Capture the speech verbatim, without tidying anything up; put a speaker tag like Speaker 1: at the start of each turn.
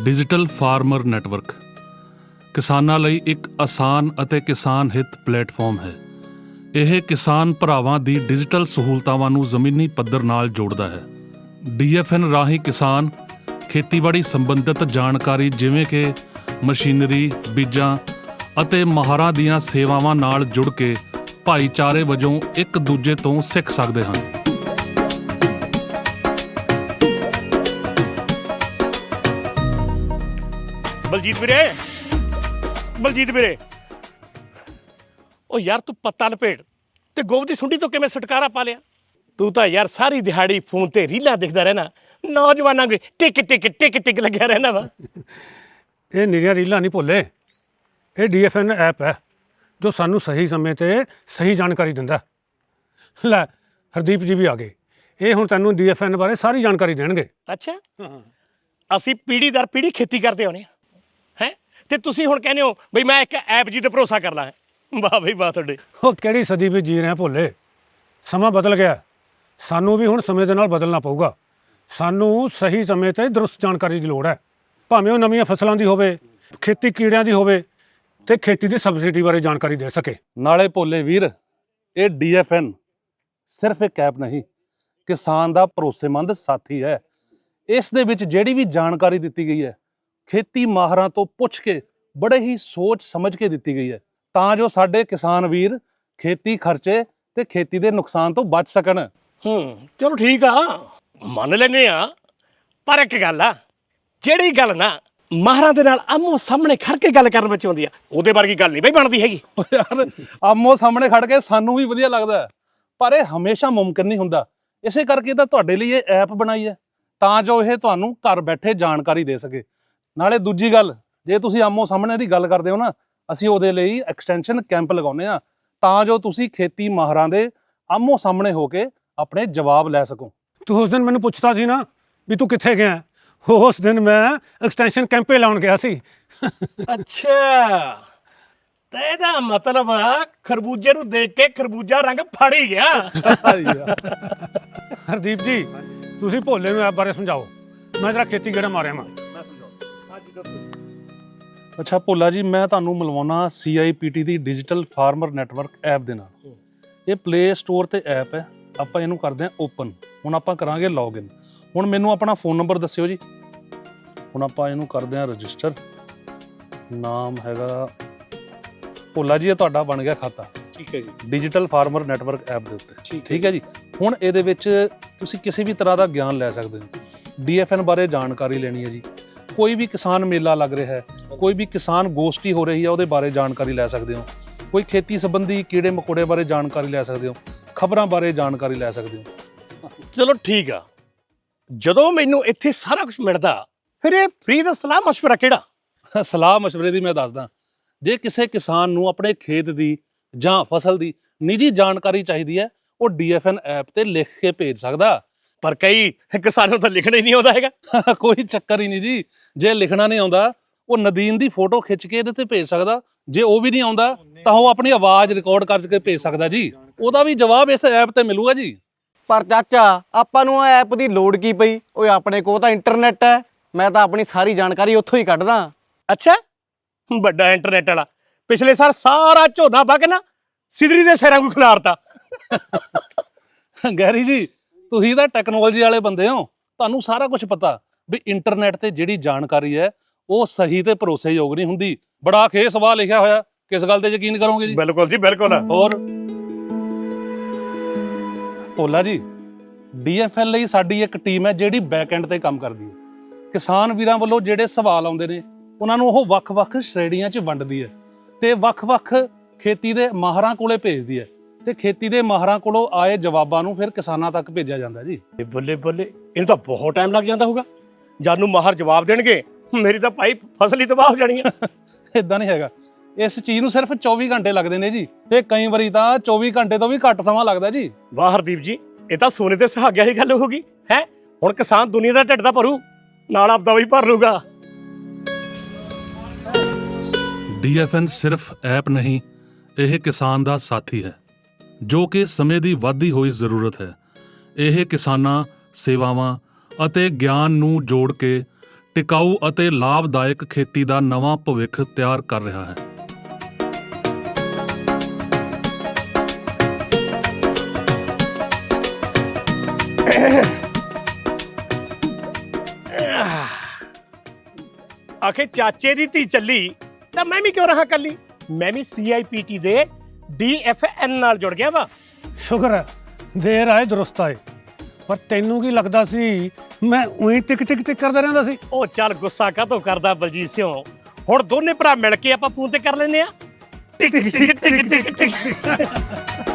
Speaker 1: Digital farmer network ਕਿਸਾਨਾਂ ਲਈ ਇੱਕ ਆਸਾਨ ਅਤੇ ਕਿਸਾਨ ਹਿੱਤ ਪਲੇਟਫਾਰਮ ਹੈ। ਇਹ ਕਿਸਾਨ ਭਰਾਵਾਂ ਦੀ ਡਿਜੀਟਲ ਸਹੂਲਤਾਵਾਂ ਨੂੰ ਜ਼ਮੀਨੀ ਪੱਧਰ ਨਾਲ ਜੋੜਦਾ ਹੈ। ਡੀ ਐਫ ਐਨ ਰਾਹੀਂ ਕਿਸਾਨ ਖੇਤੀਬਾੜੀ ਸੰਬੰਧਿਤ ਜਾਣਕਾਰੀ ਜਿਵੇਂ ਕਿ ਮਸ਼ੀਨਰੀ, ਬੀਜਾਂ ਅਤੇ ਮਾਹਰਾਂ ਦੀਆਂ ਸੇਵਾਵਾਂ ਨਾਲ ਜੁੜ ਕੇ ਭਾਈਚਾਰੇ ਵਜੋਂ ਇੱਕ ਦੂਜੇ ਤੋਂ ਸਿੱਖ ਸਕਦੇ ਹਨ।
Speaker 2: ਬਲਜੀਤ ਵੀਰੇ ਬਲਜੀਤ ਵੀਰੇ ਉਹ ਯਾਰ ਤੂੰ ਪੱਤਾ ਲਪੇਟ ਤੇ ਗੋਬ ਦੀ ਸੁੰਡੀ ਤੋਂ ਕਿਵੇਂ ਛੁਟਕਾਰਾ ਪਾ ਲਿਆ? ਤੂੰ ਤਾਂ ਯਾਰ ਸਾਰੀ ਦਿਹਾੜੀ ਫੋਨ ਤੇ ਰੀਲਾਂ ਦੇਖਦਾ ਰਹਿਣਾ, ਨੌਜਵਾਨਾਂ ਦੇ ਟਿਕ ਟਿਕ ਟਿਕ ਟਿਕ ਲੱਗਿਆ ਰਹਿਣਾ ਵਾ।
Speaker 3: ਇਹ ਨਿਰੀਆਂ ਰੀਲਾਂ ਨਹੀਂ ਭੁੱਲੇ, ਇਹ ਡੀ ਐਫ ਐਨ ਐਪ ਹੈ ਜੋ ਸਾਨੂੰ ਸਹੀ ਸਮੇਂ 'ਤੇ ਸਹੀ ਜਾਣਕਾਰੀ ਦਿੰਦਾ। ਲੈ ਹਰਦੀਪ ਜੀ ਵੀ ਆ ਗਏ, ਇਹ ਹੁਣ ਤੈਨੂੰ ਡੀ ਐਫ ਐਨ ਬਾਰੇ ਸਾਰੀ ਜਾਣਕਾਰੀ ਦੇਣਗੇ।
Speaker 2: ਅੱਛਾ, ਅਸੀਂ ਪੀੜ੍ਹੀ ਦਰ ਪੀੜ੍ਹੀ ਖੇਤੀ ਕਰਦੇ ਆਉਂਦੇ ਹਾਂ ਹੈ ਤੇ ਤੁਸੀਂ ਹੁਣ ਕਹਿੰਦੇ ਹੋ ਬਈ ਮੈਂ ਇੱਕ ਐਪ ਜੀ ਤੇ ਭਰੋਸਾ ਕਰਨਾ ਹੈ। ਵਾਹ ਬਈ ਵਾਹ ਤੁਹਾਡੇ।
Speaker 3: ਉਹ ਕਿਹੜੀ ਸਦੀ ਵਿੱਚ ਜੀ ਰਹੇ ਭੁੱਲੇ, ਸਮਾਂ ਬਦਲ ਗਿਆ, ਸਾਨੂੰ ਵੀ ਹੁਣ ਸਮੇਂ ਦੇ ਨਾਲ ਬਦਲਣਾ ਪਊਗਾ। ਸਾਨੂੰ ਸਹੀ ਸਮੇਂ 'ਤੇ ਦਰੁਸਤ ਜਾਣਕਾਰੀ ਦੀ ਲੋੜ ਹੈ, ਭਾਵੇਂ ਉਹ ਨਵੀਆਂ ਫਸਲਾਂ ਦੀ ਹੋਵੇ, ਖੇਤੀ ਕੀੜਿਆਂ ਦੀ ਹੋਵੇ ਤੇ ਖੇਤੀ ਦੀ ਸਬਸਿਡੀ ਬਾਰੇ ਜਾਣਕਾਰੀ ਦੇ ਸਕੇ।
Speaker 4: ਨਾਲੇ ਭੋਲੇ ਵੀਰ, ਇਹ ਡੀ ਐਫ ਐਨ ਸਿਰਫ ਇੱਕ ਐਪ ਨਹੀਂ, ਕਿਸਾਨ ਦਾ ਭਰੋਸੇਮੰਦ ਸਾਥੀ ਹੈ। ਇਸ ਦੇ ਵਿੱਚ ਜਿਹੜੀ ਵੀ ਜਾਣਕਾਰੀ ਦਿੱਤੀ ਗਈ ਹੈ, ਖੇਤੀ ਮਾਹਰਾਂ ਤੋਂ ਪੁੱਛ ਕੇ ਬੜੇ ਹੀ ਸੋਚ ਸਮਝ ਕੇ ਦਿੱਤੀ ਗਈ ਹੈ, ਤਾਂ ਜੋ ਸਾਡੇ ਕਿਸਾਨ ਵੀਰ ਖੇਤੀ ਖਰਚੇ ਤੇ ਖੇਤੀ ਦੇ ਨੁਕਸਾਨ ਤੋਂ ਬਚ ਸਕਣ।
Speaker 2: ਹੂੰ ਚਲੋ ਠੀਕ ਆ, ਮੰਨ ਲੈਂਦੇ ਆ, ਪਰ ਇੱਕ ਗੱਲ ਆ, ਜਿਹੜੀ ਗੱਲ ਨਾ ਮਾਹਰਾਂ ਦੇ ਨਾਲ ਆਮੋ ਸਾਹਮਣੇ ਖੜ ਕੇ ਗੱਲ ਕਰਨ ਵਿੱਚ ਆਉਂਦੀ ਆ, ਉਹਦੇ ਵਰਗੀ ਗੱਲ ਨਹੀਂ ਬਈ ਬਣਦੀ ਹੈਗੀ।
Speaker 4: ਯਾਰ ਆਮੋ ਸਾਹਮਣੇ ਖੜ ਕੇ ਸਾਨੂੰ ਵੀ ਵਧੀਆ ਲੱਗਦਾ, ਪਰ ਇਹ ਹਮੇਸ਼ਾ ਮੁਮਕਿਨ ਨਹੀਂ ਹੁੰਦਾ। ਇਸੇ ਕਰਕੇ ਤਾਂ ਤੁਹਾਡੇ ਲਈ ਇਹ ਐਪ ਬਣਾਈ ਹੈ, ਤਾਂ ਜੋ ਇਹ ਤੁਹਾਨੂੰ ਘਰ ਬੈਠੇ ਜਾਣਕਾਰੀ ਦੇ ਸਕੇ। ਨਾਲੇ ਦੂਜੀ ਗੱਲ, ਜੇ ਤੁਸੀਂ ਆਮੋ ਸਾਹਮਣੇ ਦੀ ਗੱਲ ਕਰਦੇ ਹੋ ਨਾ, ਅਸੀਂ ਉਹਦੇ ਲਈ ਐਕਸਟੈਂਸ਼ਨ ਕੈਂਪ ਲਗਾਉਂਦੇ ਹਾਂ, ਤਾਂ ਜੋ ਤੁਸੀਂ ਖੇਤੀ ਮਾਹਰਾਂ ਦੇ ਆਮੋ ਸਾਹਮਣੇ ਹੋ ਕੇ ਆਪਣੇ ਜਵਾਬ ਲੈ ਸਕੋ।
Speaker 3: ਤੂੰ ਉਸ ਦਿਨ ਮੈਨੂੰ ਪੁੱਛਦਾ ਸੀ ਨਾ ਵੀ ਤੂੰ ਕਿੱਥੇ ਗਿਆ, ਉਸ ਦਿਨ ਮੈਂ ਐਕਸਟੈਂਸ਼ਨ ਕੈਂਪੇ ਲਾਉਣ ਗਿਆ ਸੀ।
Speaker 2: ਅੱਛਾ, ਤੇ ਇਹਦਾ ਮਤਲਬ ਆ ਖਰਬੂਜੇ ਨੂੰ ਦੇਖ ਕੇ ਖਰਬੂਜਾ ਰੰਗ ਫੜ ਹੀ ਗਿਆ।
Speaker 3: ਹਰਦੀਪ ਜੀ, ਤੁਸੀਂ ਭੋਲੇ ਨੂੰ ਐਪ ਬਾਰੇ ਸਮਝਾਓ, ਮੈਂ ਜਰਾ ਖੇਤੀ ਗੇੜਾ ਮਾਰਿਆ ਮੈਂ।
Speaker 4: ਅੱਛਾ ਭੋਲਾ ਜੀ, ਮੈਂ ਤੁਹਾਨੂੰ ਮਿਲਵਾਉਣਾ ਸੀ ਆਈ ਪੀ ਟੀ ਦੀ ਡਿਜੀਟਲ ਫਾਰਮਰ ਨੈਟਵਰਕ ਐਪ ਦੇ ਨਾਲ। ਇਹ ਪਲੇ ਸਟੋਰ ਤੇ ਐਪ ਹੈ, ਆਪਾਂ ਇਹਨੂੰ ਕਰਦੇ ਹਾਂ ਓਪਨ। ਹੁਣ ਆਪਾਂ ਕਰਾਂਗੇ ਲੌਗਇਨ। ਹੁਣ ਮੈਨੂੰ ਆਪਣਾ ਫੋਨ ਨੰਬਰ ਦੱਸਿਓ ਜੀ। ਹੁਣ ਆਪਾਂ ਇਹਨੂੰ ਕਰਦੇ ਹਾਂ ਰਜਿਸਟਰ। ਨਾਮ ਹੈਗਾ ਭੋਲਾ ਜੀ, ਇਹ ਤੁਹਾਡਾ ਬਣ ਗਿਆ ਖਾਤਾ।
Speaker 2: ਠੀਕ ਹੈ ਜੀ,
Speaker 4: ਡਿਜੀਟਲ ਫਾਰਮਰ ਨੈਟਵਰਕ ਐਪ ਦੇ ਉੱਤੇ। ਠੀਕ ਹੈ ਜੀ। ਹੁਣ ਇਹਦੇ ਵਿੱਚ ਤੁਸੀਂ ਕਿਸੇ ਵੀ ਤਰ੍ਹਾਂ ਦਾ ਗਿਆਨ ਲੈ ਸਕਦੇ ਹੋ। ਡੀ ਐਫ ਐਨ ਬਾਰੇ ਜਾਣਕਾਰੀ ਲੈਣੀ ਹੈ ਜੀ, ਕੋਈ ਵੀ ਕਿਸਾਨ ਮੇਲਾ ਲੱਗ ਰਿਹਾ ਹੈ, ਕੋਈ ਵੀ ਕਿਸਾਨ ਗੋਸ਼ਟੀ ਹੋ ਰਹੀ ਹੈ, ਉਹਦੇ ਬਾਰੇ ਜਾਣਕਾਰੀ ਲੈ ਸਕਦੇ ਹੋ। ਕੋਈ ਖੇਤੀ ਸੰਬੰਧੀ ਕੀੜੇ ਮਕੌੜੇ ਬਾਰੇ ਜਾਣਕਾਰੀ ਲੈ ਸਕਦੇ ਹੋ, ਖਬਰਾਂ ਬਾਰੇ ਜਾਣਕਾਰੀ ਲੈ ਸਕਦੇ ਹੋ।
Speaker 2: ਚਲੋ ਠੀਕ ਆ। ਜਦੋਂ ਮੈਨੂੰ ਇੱਥੇ ਸਾਰਾ ਕੁਝ ਮਿਲਦਾ, ਫਿਰ ਇਹ ਫ੍ਰੀ ਦਾ ਸਲਾਹ ਮਸ਼ਵਰਾ ਕਿਹੜਾ?
Speaker 4: ਸਲਾਹ ਮਸ਼ਵਰੇ ਦੀ ਮੈਂ ਦੱਸਦਾ। ਜੇ ਕਿਸੇ ਕਿਸਾਨ ਨੂੰ ਆਪਣੇ ਖੇਤ ਦੀ ਜਾਂ ਫਸਲ ਦੀ ਨਿੱਜੀ ਜਾਣਕਾਰੀ ਚਾਹੀਦੀ ਹੈ, ਉਹ ਡੀ ਐਫ ਐਨ ਐਪ ਤੇ ਲਿਖ ਕੇ ਭੇਜ ਸਕਦਾ।
Speaker 2: ਪਰ ਕਈ ਕਿਸਾਨਾਂ ਨੂੰ ਤਾਂ ਲਿਖਣਾ ਹੀ ਨਹੀਂ ਆਉਂਦਾ ਹੈਗਾ।
Speaker 4: ਕੋਈ ਚੱਕਰ ਹੀ ਨਹੀਂ ਜੀ। ਜੇ ਲਿਖਣਾ ਨਹੀਂ ਆਉਂਦਾ, ਉਹ ਨਦੀਨ ਦੀ ਫੋਟੋ ਖਿੱਚ ਕੇ ਇਹਦੇ ਤੇ ਭੇਜ ਸਕਦਾ। ਜੇ ਉਹ ਵੀ ਨਹੀਂ ਆਉਂਦਾ ਤਾਂ ਉਹ ਆਪਣੀ ਆਵਾਜ਼ ਰਿਕਾਰਡ ਕਰਕੇ ਭੇਜ ਸਕਦਾ ਜੀ। ਉਹਦਾ ਵੀ ਜਵਾਬ ਇਸ ਐਪ ਤੇ ਮਿਲੂਗਾ ਜੀ।
Speaker 5: ਪਰ ਚਾਚਾ, ਆਪਾਂ ਨੂੰ ਇਹ ਐਪ ਦੀ ਲੋੜ ਕੀ ਪਈ? ਓਏ ਆਪਣੇ ਕੋਲ ਤਾਂ ਇੰਟਰਨੈਟ ਹੈ, ਮੈਂ ਤਾਂ ਆਪਣੀ ਸਾਰੀ ਜਾਣਕਾਰੀ ਉੱਥੋਂ ਹੀ ਕੱਢਦਾ।
Speaker 2: ਅੱਛਾ, ਵੱਡਾ ਇੰਟਰਨੈਟ ਵਾਲਾ। ਪਿਛਲੇ ਸਾਲ ਸਾਰਾ ਝੋਨਾ ਵਗ ਨਾ ਸਿਦਰੀ ਦੇ ਸਿਰਾਂ ਨੂੰ ਖਿਲਾਰਤਾ।
Speaker 4: ਗੈਰੀ ਜੀ, ਤੁਸੀਂ ਤਾਂ ਟੈਕਨੋਲੋਜੀ ਵਾਲੇ ਬੰਦੇ ਹੋ, ਤੁਹਾਨੂੰ ਸਾਰਾ ਕੁਝ ਪਤਾ ਵੀ ਇੰਟਰਨੈਟ ਤੇ ਜਿਹੜੀ ਜਾਣਕਾਰੀ ਹੈ ਉਹ ਸਹੀ ਤੇ ਭਰੋਸੇਯੋਗ ਨਹੀਂ ਹੁੰਦੀ। ਬੜਾ ਖੇ ਸਵਾਲ ਲਿਖਿਆ ਹੋਇਆ, ਕਿਸ ਗੱਲ ਤੇ ਯਕੀਨ ਕਰੋਗੇ ਜੀ?
Speaker 2: ਬਿਲਕੁਲ ਜੀ, ਬਿਲਕੁਲ।
Speaker 4: ਹੋਰ ਭੋਲਾ ਜੀ, ਡੀ ਐਫ ਐਲ ਲਈ ਸਾਡੀ ਇੱਕ ਟੀਮ ਹੈ ਜਿਹੜੀ ਬੈਕ ਐਂਡ ਤੇ ਕੰਮ ਕਰਦੀ ਹੈ। ਕਿਸਾਨ ਵੀਰਾਂ ਵੱਲੋਂ ਜਿਹੜੇ ਸਵਾਲ ਆਉਂਦੇ ਨੇ, ਉਹਨਾਂ ਨੂੰ ਉਹ ਵੱਖ-ਵੱਖ ਸ਼੍ਰੇਣੀਆਂ 'ਚ ਵੰਡਦੀ ਹੈ ਤੇ ਵੱਖ-ਵੱਖ ਖੇਤੀ ਦੇ ਮਾਹਰਾਂ ਕੋਲੇ ਭੇਜਦੀ ਹੈ, ਤੇ ਖੇਤੀ ਦੇ ਮਾਹਰਾਂ ਕੋਲੋਂ ਆਏ ਜਵਾਬਾਂ ਨੂੰ ਫਿਰ ਕਿਸਾਨਾਂ ਤੱਕ ਭੇਜਿਆ ਜਾਂਦਾ ਜੀ।
Speaker 2: ਬੱਲੇ ਬੱਲੇ, ਇਹਨੂੰ ਤਾਂ ਬਹੁਤ ਟਾਈਮ ਲੱਗ ਜਾਂਦਾ ਹੋਊਗਾ। ਜਦ ਨੂੰ ਮਾਹਰ ਜਵਾਬ ਦੇਣਗੇ, ਮੇਰੀ ਤਾਂ ਭਾਈ ਫਸਲ ਹੀ ਤਬਾਹ ਹੋ ਜਾਣੀ ਹੈ।
Speaker 4: ਇਦਾਂ ਨਹੀਂ ਹੈਗਾ, ਇਸ ਚੀਜ਼ ਨੂੰ ਸਿਰਫ ਚੌਵੀ ਘੰਟੇ ਲੱਗਦੇ ਨੇ ਜੀ, ਤੇ ਕਈ ਵਾਰੀ ਤਾਂ ਚੌਵੀ ਘੰਟੇ ਤੋਂ ਵੀ ਘੱਟ ਸਮਾਂ ਲੱਗਦਾ ਜੀ।
Speaker 2: ਵਾਹ ਹਰਦੀਪ ਜੀ, ਇਹ ਤਾਂ ਸੋਨੇ ਤੇ ਸੁਹਾਗਿਆਂ ਦੀ ਗੱਲ ਹੋ ਗਈ ਹੈ। ਹੁਣ ਕਿਸਾਨ ਦੁਨੀਆ ਦਾ ਢਿੱਡ ਤਾਂ ਭਰੂ, ਨਾਲ ਆਪਦਾ ਵੀ ਭਰ ਲੂਗਾ।
Speaker 1: ਡੀ ਐਫ ਐਨ ਸਿਰਫ ਐਪ ਨਹੀਂ, ਇਹ ਕਿਸਾਨ ਦਾ ਸਾਥੀ ਹੈ, ਜੋ ਕਿ ਸਮੇਂ ਦੀ ਵੱਧਦੀ ਹੋਈ ਜ਼ਰੂਰਤ ਹੈ। ਇਹ ਕਿਸਾਨਾਂ, ਸੇਵਾਵਾਂ ਅਤੇ ਗਿਆਨ ਨੂੰ ਜੋੜ ਕੇ ਟਿਕਾਊ ਅਤੇ ਲਾਭਦਾਇਕ ਖੇਤੀ ਦਾ ਨਵਾਂ ਭਵਿੱਖ ਤਿਆਰ ਕਰ ਰਿਹਾ ਹੈ।
Speaker 2: ਆਖੇ ਚਾਚੇ ਦੀ ਧੀ ਚੱਲੀ ਤਾਂ ਮੈਂ ਵੀ ਕਿਉਂ ਰਹਾ ਕੱਲੀ। ਮੈਂ ਵੀ ਸੀ ਆਈ ਪੀ ਟੀ ਦੇ ਡੀ ਐਫ ਐਨ ਨਾਲ ਜੁੜ ਗਿਆ ਵਾ।
Speaker 3: ਸ਼ੁਕਰ ਹੈ ਦੇਰ ਆਏ ਦਰੁਸਤ ਆਏ। ਪਰ ਤੈਨੂੰ ਕੀ ਲੱਗਦਾ ਸੀ ਮੈਂ ਉਹੀ ਟਿਕ ਟਿਕ ਟਿਕ ਕਰਦਾ ਰਹਿੰਦਾ ਸੀ?
Speaker 2: ਉਹ ਚੱਲ ਗੁੱਸਾ ਕਾਹਤੋਂ ਕਰਦਾ ਬਲਜੀਤ ਸਿੰਘ, ਹੁਣ ਦੋਨੇ ਭਰਾ ਮਿਲ ਕੇ ਆਪਾਂ ਫੋਨ ਤੇ ਕਰ ਲੈਨੇ ਆ। ਟਿਕ ਟਿਕ ਟਿਕ ਟਿਕ ਟਿਕ